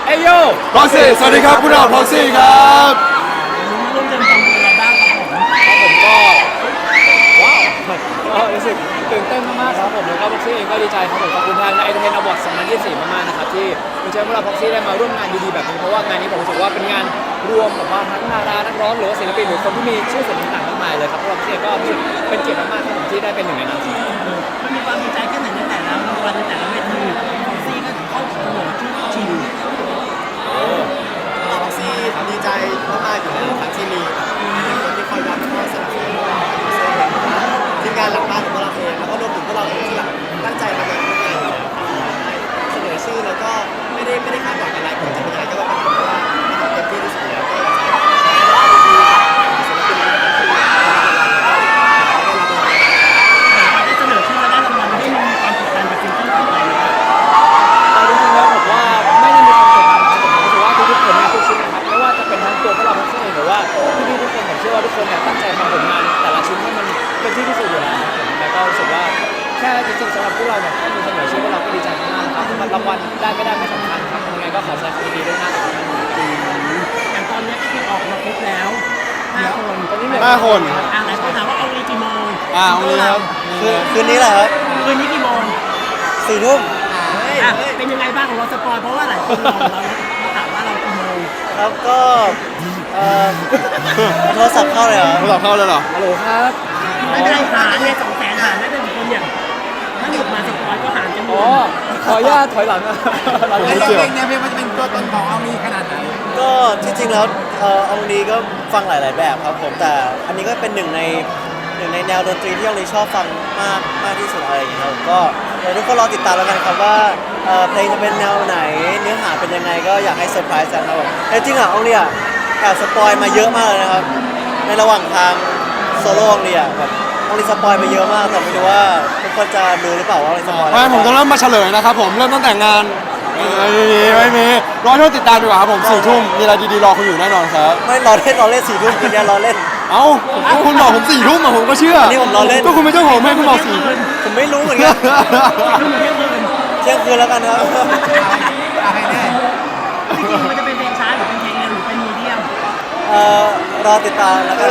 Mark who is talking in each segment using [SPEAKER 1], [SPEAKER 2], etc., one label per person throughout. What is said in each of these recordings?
[SPEAKER 1] เอโย
[SPEAKER 2] พ็อกซี่สวัสดีครับพวกเราพ็อกซี่ครับ
[SPEAKER 3] ร่วมเดินทางเป็นอะไรบ้างครับผม
[SPEAKER 1] ผมก็ว้าวก็รู้สึกตื่นเต้นมากๆครับผมแล้วก็พ็อกซี่เองก็ดีใจครับผมขอบคุณทางไอเทนอวอร์ด2024มากๆนะครับที่คุณเชิญพวกเราพ็อกซี่ได้มาร่วมงานดีๆแบบนี้เพราะว่างานนี้ผมรู้สึกว่าเป็นงานรวมแบบว่าทั้งดารานักร้องหรือว่าศิลปินหรือคนที่มีชื่อเสียงต่างๆมากมายเลยครับพวกเราพ็อกซี่ก็รู้สึกเป็นเกียรติมากๆครับผมที่ได้เป็นหนึ่งในนั้น
[SPEAKER 3] มันมีความดีใจแค่ไหนในแต่ละวันในแต่ละเวทีของซี่ก็เข้าเสนอชื่อชิง
[SPEAKER 4] พ็อกซี่ดีใจมากๆอยู่แล้วครับที่มีคนที่คอยรับคอยสนับสนุนทีมงานหลังบ้านของเราเองแล้วก็รวมถึงพวกเราเองที่แบบตั้งใจทำงานทุกงานอยู่แล้วเสนอชื่อแล้วก็ไม่ได้คาดหวังอะไรผลจะเป็นยังไงก็ต้องเป็นเพราะว่าทำเต็มที่ที่สุดแล้วก็
[SPEAKER 3] ได้เสนอชื่อและได้รางวัลได้มีความกดดันกับซิงเกิลต่อไป
[SPEAKER 1] จริงๆแล้วผมว่าไม่ได้มีความกดดันครับผมรู้สึกว่าทุกๆผลงานทุกชิ้นนะครับไม่ว่าจะเป็นทั้งตัวพวกเราพ็อกซี่เองหรือว่าพี่ๆทุกคนผมเชื่อว่าทุกคนเนี่ยตั้งใจทำผลงานแต่ละชิ้นให้มันเป็นที่ที่สุดอยู่แล้วแต่ก็รู้สึกว่าแค่จริงๆสำหรับพวกเราเนี่ยแค่มีเสนอชื่อพวกเราก็ดีใจมากๆครับรางวัลได้ไม่ได้ไม่สำคัญครับยังไงก็ขอแสดงความยินดีด้วยนะครับ
[SPEAKER 3] อย่างตอนนี้ก็คือออกมาครบแล้ว5 คน
[SPEAKER 1] ตอนนี้เหลือ
[SPEAKER 2] 5 คน
[SPEAKER 3] หลายคนถามว่าเอาอีกี่โมง
[SPEAKER 2] วันนี้ครับ
[SPEAKER 4] คืนนี้แหละครับ
[SPEAKER 3] คืนนี้กี่โมง
[SPEAKER 4] 4 ทุ่ม
[SPEAKER 3] เป็นยังไงบ้างของเราสปอยเพราะว่าหลายคนเราถามว่าเรากี่โมง
[SPEAKER 4] ครับก็โทรศัพท์เข้าเลยเหรอ
[SPEAKER 2] โทรศัพท์เข้าเลยเหรอ
[SPEAKER 1] ฮัลโหลครับ
[SPEAKER 3] ไม่เป็นไรหารเนี่ย200,000หารไม่เป็นคนอย่างถ้าหยุดมาสปอยก็หารกันหมด
[SPEAKER 1] ขออนุญาตถอยหลัง
[SPEAKER 2] ผมไม่เกี่ยว
[SPEAKER 4] เนี่ยมันจะเป็นตัวตนของเอาลีขนาดไหนก็ที่จริงแล้วเอาลีก็ฟังหลายๆแบบครับผมแต่อันนี้ก็เป็นหนึ่งในแนวดนตรีที่เอาลีชอบฟังมากที่สุดอะไรอย่างเงี้ยครับก็ทุกคนรอติดตามแล้วกันครับว่าเพลงจะเป็นแนวไหนเนื้อหาเป็นยังไงก็อยากให้เซอร์ไพรส์กันครับผมแต่จริงอ่ะเอาลีอ่ะแอบสปอยมาเยอะมากเลยนะครับในระหว่างทางโซโล่เอาลีอ่ะแบบเอาลีสปอยไปเยอะมากแต่ไม่รู้ว่าทุกคนจะรู้หรือเปล่าว่าเอาลีสปอย
[SPEAKER 2] ไม่ผมจะเริ่มมาเฉลยนะครับผมเริ่มตั้งแต่งานไม่มีรอช่วงติดตามดีกว่าครับผม4 ทุ่มมีอะไรดีๆรอคุณอยู่แน่นอนครับ
[SPEAKER 4] ไม่รอเล่น4 ทุ่มคืนนี้รอเล่น
[SPEAKER 2] เอ้าคุณบอกผม4 ทุ่มอะผมก็เชื่อ
[SPEAKER 4] นี่ผมรอเล่น
[SPEAKER 2] ก็คุณเป็นเจ้าของให้คุณบอก4 ทุ่ม
[SPEAKER 4] ผมไม่รู้เหมือนกันเที่ยงคืนแล้วกันครับ
[SPEAKER 3] จริงๆมันจะเป็นเพลงช้าหรือเป็นเพลงเร็วหรือเป็นมีเดียม
[SPEAKER 4] รอติดตามแล้วกัน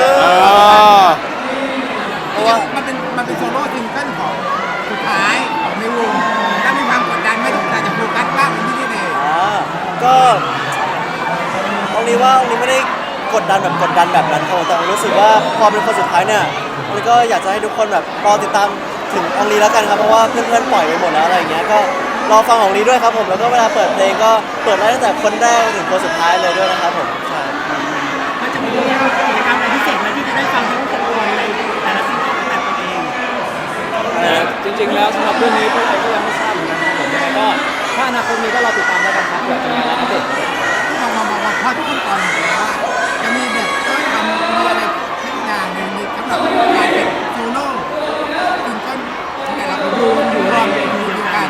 [SPEAKER 4] เพราะว่า
[SPEAKER 5] มันเป็นโซโล่ซิงเกิลของสุดท้ายของในวงถ้ามีความกดดันไม่ต้องการจะโฟกัสบ้างเป็นที่นี่เอง
[SPEAKER 4] ก็องลีไม่ได้กดดันแบบนั้นครับแต่รู้สึกว่าพอเป็นคนสุดท้ายเนี่ยองลีก็อยากจะให้ทุกคนแบบรอติดตามถึงองลีแล้วกันครับเพราะว่าเพื่อนๆปล่อยไปหมดแล้วอะไรอย่างเงี้ยก็รอฟังของลีด้วยครับผมแล้วก็เวลาเปิดเพลงก็เปิดได้ตั้งแต่คนแรกถึงคนสุดท้ายเลยด้วยนะครับผมใช่
[SPEAKER 3] มันจะมีกิจกรรมอะไรพิเศษไหมที่จะได้ฟังทั้ง6 คนในแต่ละซิงเกิลของแต่ละเพลง
[SPEAKER 1] จริงๆแล้วสำหรับเรื่องนี้พวกเราก็ยังไม่ทราบเหมือนกันครับผมยังไงก็ถ้าอนาคตมีก็รอติดตามแล้วกันครับเผื่อจะมีอะไรอัปเดต
[SPEAKER 5] มาพอทุกคนตอนนี้ว่าจะมีแบบทำมีอะไรสักอย่างหนึ่งสำหรับการเป็นโซโล่ซิงเกิลแต่ละคนรวมอยู่ด้วยกัน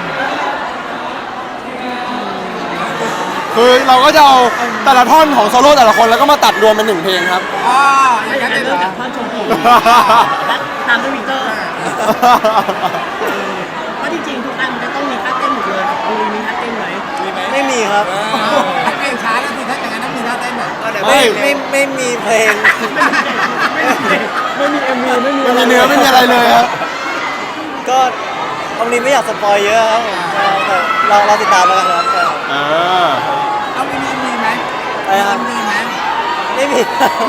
[SPEAKER 2] คือเราก็จะเอาแต่ละท่อนของโซโล่แต่ละคนแล้วก็มาตัดรวมเป็น1 เพลงครับ
[SPEAKER 3] อย่างนั้นเริ่มจากท่อนชมผมตามด้วยวิกเตอร์เพราะจริงๆทุกอันจะต้องมีท่าเต้นหมดเลยของมีท่าเต้นไหม
[SPEAKER 4] ไม่มีครับ
[SPEAKER 5] เพลงช้าแล้วสิถ้าอย่างนั้นต้องมีท่าเต้นหน่อย
[SPEAKER 4] ไม่มีเพลง
[SPEAKER 1] ไม่มี MV ไม่มี
[SPEAKER 2] เนื้อไม่มีอะไรเลยครับ
[SPEAKER 4] ก็องลีไม่อยากสปอยเยอะครับแต่เราติดตามแล้วกันครับ
[SPEAKER 5] เอามีไหมมีไหม
[SPEAKER 4] ไม่มี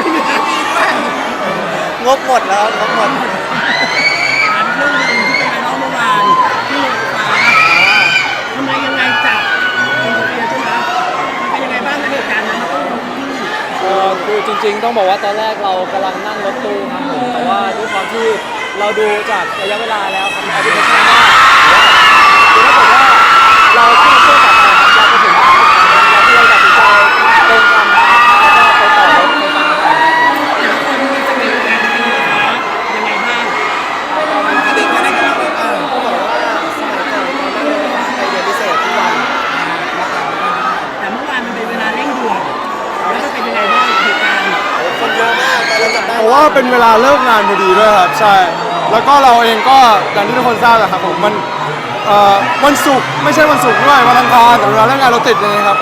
[SPEAKER 4] งบหมดแล้วงบหมด
[SPEAKER 3] เรื่องนึงที่เป็นไวรัลเมื่อวานที่โรงฟ้าทำไมยังไงจับอินเดียใช่ไหมมันเป็นยังไงบ้างในเหตุการณ์นั้นมันต้อง
[SPEAKER 1] คือจริงๆต้องบอกว่าตอนแรกเรากำลังนั่งรถตู้ครับผมแต่ว่าด้วยความที่เราดูจากระยะเวลาแล้วครับแอปพลิเคชันว่าคือถ้าเกิดว่าเราขึ้นเครื่องต่อไปครับเราไปถึงเราก็เลยตัดสินใจเดินตามทางแล้วก็ไปต่อรถไปตามทาง
[SPEAKER 3] แต่ละคนมีสกิลการเป็นยังไงบ้าง
[SPEAKER 4] เด็กอะไรกันเขาบอกว่าสมัยก่อนตอนนั้นไปเรียนพิเศษทุกวัน
[SPEAKER 3] แต่เมื่อวานมันเป็นเวลาเร่งด่วนแล้วมันเป็นยังไงบ้างเหตุการณ์
[SPEAKER 4] คนเยอะมากแต่เราจับได้
[SPEAKER 2] เพราะว่าเป็นเวลาเลิกงานพอดีด้วยครับใช่แล้วก็เราเองก็อย่างที่ทุกคนทราบแหละครับผมมันวันศุกร์ไม่ใช่วันศุกร์ด้วยวันอังคารแต่เวลาเลิกงานเราติดเลยครับก็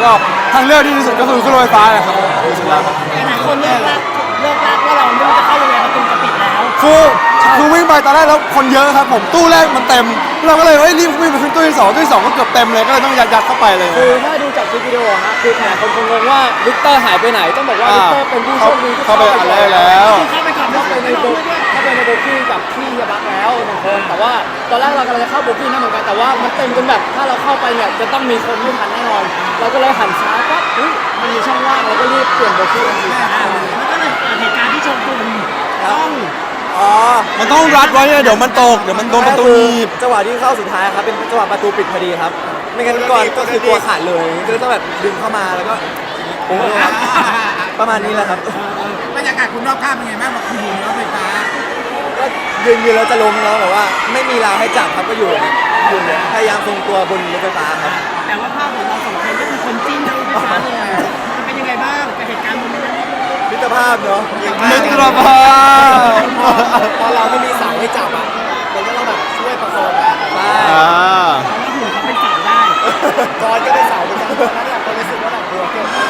[SPEAKER 2] ทางเลือกที่ดีที่สุดก็คือขึ้นรถไฟฟ้านะครับผมจริงๆแล้วครับ
[SPEAKER 3] หลายคนเลิกรักว่าเราไม่รู้จะเข้ายังไงประตูจะปิดแล้ว
[SPEAKER 2] คือวิ่งไปตอนแรกแล้วคนเยอะครับผมตู้แรกมันเต็มเราก็เลยรีบวิ่งไปขึ้นตู้ที่สองตู้ที่สองก็เกือบเต็มเลยก็เลยต้องยัดเข้าไปเลย
[SPEAKER 1] คือถ้าดูจากคลิปวิดีโอฮะคือหลายคนคงงงว่าวิกเตอร์หายไปไหนต้องบอกว่าวิกเตอร์เป็นผู้โชคดีที่
[SPEAKER 2] เข้าไปอันแรกแล้ว
[SPEAKER 3] เข้าไปก่อน
[SPEAKER 1] เข้าไปในโบกี้กับพี่ยาบักแล้วหนึ่งคนแต่ว่าตอนแรกเรากำลังจะเข้าโบกี้นั่นเหมือนกันแต่ว่ามันเต็มจนแบบถ้าเราเข้าไปเนี่ยจะต้องมีคนไม่ทันแน่นอน เราก็เลยหันซ้ายปั๊บอุ๊ยมันมีช่องว่างเราก็รีบเปลี่ยนโบกี้ทันที
[SPEAKER 3] แล้วก็เลยเกิดเหตุการณ์ที่โชกุนต้อง
[SPEAKER 4] อ๋อ
[SPEAKER 2] มันต้องรัดไว้เนี่ยเดี๋ยวมันตกเดี๋ยวมันโดนประตูหนีบ
[SPEAKER 4] จังหวะที่เข้าสุดท้ายครับเป็นจังหวะประตูปิดพอดีครับ ไม่งั้นก่อนก็คือตัวขาดเลยก็เลยต้องแบบดึงเข้ามาแล้วก็โอ้โหครับประมาณนี้แหละครับ
[SPEAKER 5] บรรยากาศคุณรอบข้างเป็นไงบ้างบอกคุณอยู่ในรถไฟฟ้า
[SPEAKER 4] ก็ยืนแล้วจะล้มแล้วแต่ว่าไม่มีราวให้จับครับก็อยู่พยายามทรงตัวบนรถไฟฟ้าครับ
[SPEAKER 3] แต่ว่าภาพของเราสองคนก็คือคนจิ้นทั้งลูกค้าเลยมันเป็นยังไงบ้างกับเหตุการณ์โมเมนต์นั้น
[SPEAKER 4] มิตรภาพเนาะ
[SPEAKER 2] มิตรภาพ
[SPEAKER 4] พอเราไม่มีเสาให้จับอ่ะมันก็ต้องแบบช่วยประคองกันใช่
[SPEAKER 2] อ่า
[SPEAKER 3] เพราะว่าหุ่นเขาเป็นเสาได้
[SPEAKER 4] กอนก็เป็นเสาเหมือนกันตอนนั้นเนี่ยคนรู้สึกว่าแบบกลัวเกินไป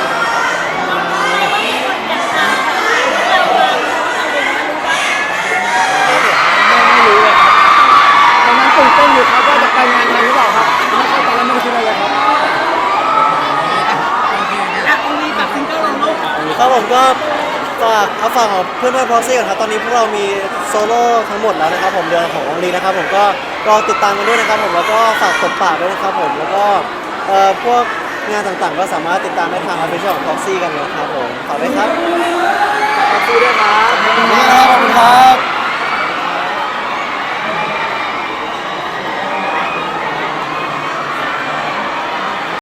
[SPEAKER 1] ไม่รู้เลยครับตอนนั้นตื่นเต้นอยู่ครับว่าจะไปงานทันหรือเปล่าครับไม่เข้าตอนนั้นไม่ได้คิดอะไรเลยครับ
[SPEAKER 3] อ่ะองลีกับซิงเกิลลงลูก
[SPEAKER 4] ครับผมก็ฝากของเพื่อนๆพอซี่ก่อนครับตอนนี้พวกเรามีโซโล่ทั้งหมดแล้วนะครับผมเดือนขององลีนะครับผมก็รอติดตามกันด้วยนะครับผมแล้วก็ฝากตบปากด้วยนะครับผมแล้วก็พวกงานต่างๆก็สามารถติดตามได้ทางออฟฟิเชียลของ Proxy กันนะครับผมฝากด้วยครับ Proxy ด้วยครับ
[SPEAKER 2] ขอบคุณครับ